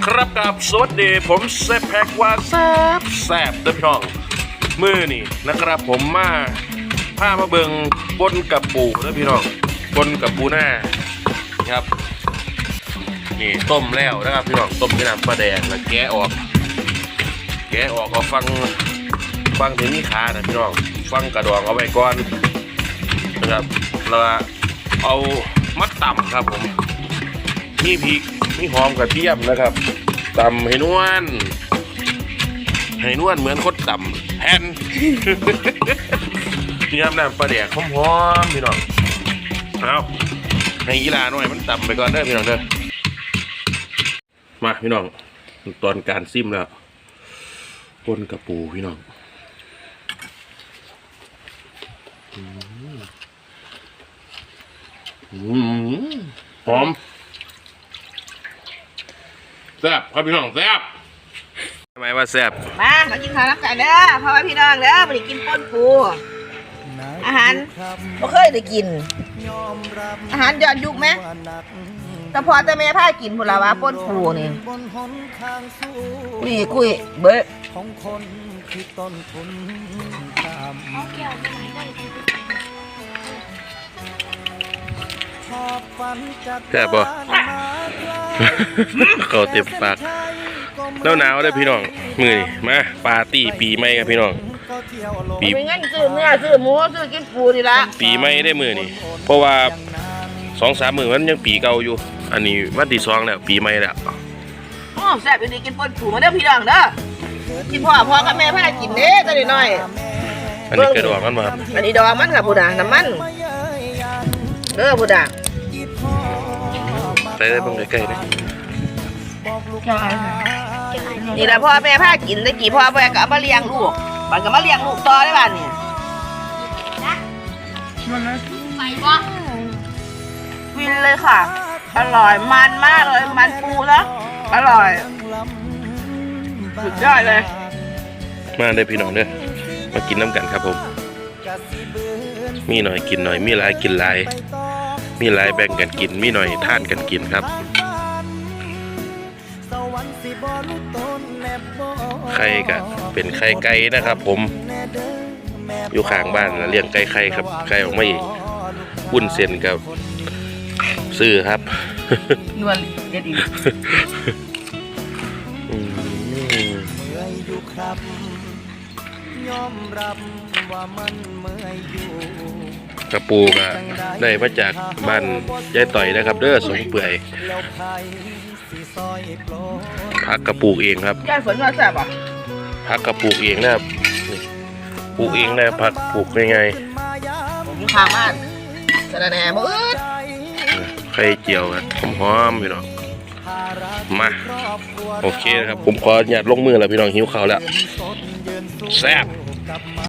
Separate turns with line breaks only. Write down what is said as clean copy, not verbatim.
ครับกับสวัสดีผมเซฟแพ็กว่าแซ่บเด้อพี่น้องมือนี่นะครับผมมาผ้ามาเบิงบนกับปูเด้อพี่น้องบนกับปูหน้าครับนี่ต้มแล้วนะครับพี่น้องต้มที่น้ำปลาแดงแล้วแกะออกก็ฟังถึงนี่ขานะพี่น้องฟังกระดองเอาไว้ก่อนนะครับแล้วเอามัดต่ำครับผมนี่พริกนี่หอมกระเทียมนะครับต่ำให้นวลเหมือนคดต่ำแผ่น นี่ครับน้ำปลาแดกหอมๆพี่น้องเอาให้กีฬาหน่อยมันต่ำไปก่อนเด้อพี่น้องเด้อมาพี่น้องตอนการซิมแล้วปนกระปูพี่น้องหอมแซ่บครับพี่น้องแซ่บทำไมว่าแซ่บ
มากินข้าวน้ำกันเด้อพ่อแม่พี่น้องเด้อมาได้กินป่นปูอาหารบ่เคยได้กินอาหารย้อนยุคไหมแต่พอแต่แม่พากินพุ่นละว่าป่นปูนี่คุยเบ้อ
แซ่บป่ะเขาเต็มปากหนาวได้พี่น้องมือนี่มาปาร์ตี้ปีใหม่ครับพี่น้อง
ปีไม่งั้นซื้อเนื้อซื้อหมูซื้อกินปูนี่ละ
ปีใหม่ได้มือนี่เพราะว่า 2-3 มื้อมันยังปีเก่าอยู่อันนี้วันที่2แล้วปีใหม่แล้ว
อ๋อแซ่บดีกินป่นปูมาเด้อพี่น้องเด้อกินพ่อกับแม่พากินเด้อตัวน้อย
อันนี้กระดองมันมา
อันนี้ดองมันค่ะผู้ด่างน้ำมันเด้อผู้ด่าง
ใส่ได้บ้างใกล้ๆเลย
นี่แหละพ่อแม่พากินได้กี่พ่อแม่ก็เอามาเลี้ยงลูกมันก็มาเลี้ยงลูกต่อได้บ้านนี่ไปบ่ฟินเลยค่ะอร่อยมันมากเลยมันปูนะอร่อยสุดยอดเลย
มาได้พี่น้องเด้อมากินน้ำกันครับผมมีหน่อยกินหน่อยมีหลายกินหลายมีหลายแบ่งกันกินมีหน่อยทานกันกินครับไข่ก็เป็นไข่ไก่นะครับผมอยู่ข้างบ้านเลี้ยงไก่ครับไก่ออกมาอีกวุ้นเส้นกับซื้อครับ
นวลเด็ดอีก
กระปูก็ได้มาจากบ้านยายต่อยนะครับเด้อสงเปื่อยผักกระปูเองครับ
ยายฝนว่าแซ่บอ่ะ
ผักกระปูเองนะครับปลูกเองนะผักปลูกยังไง
ผมข้างบ้านสะระแหน่มืด
ไข่เจียวครับหอมๆพี่น้องมาโอเคนะครับผมขออนุญาตลงมือแล้วพี่น้องหิวข้าวแล้วแซ่บ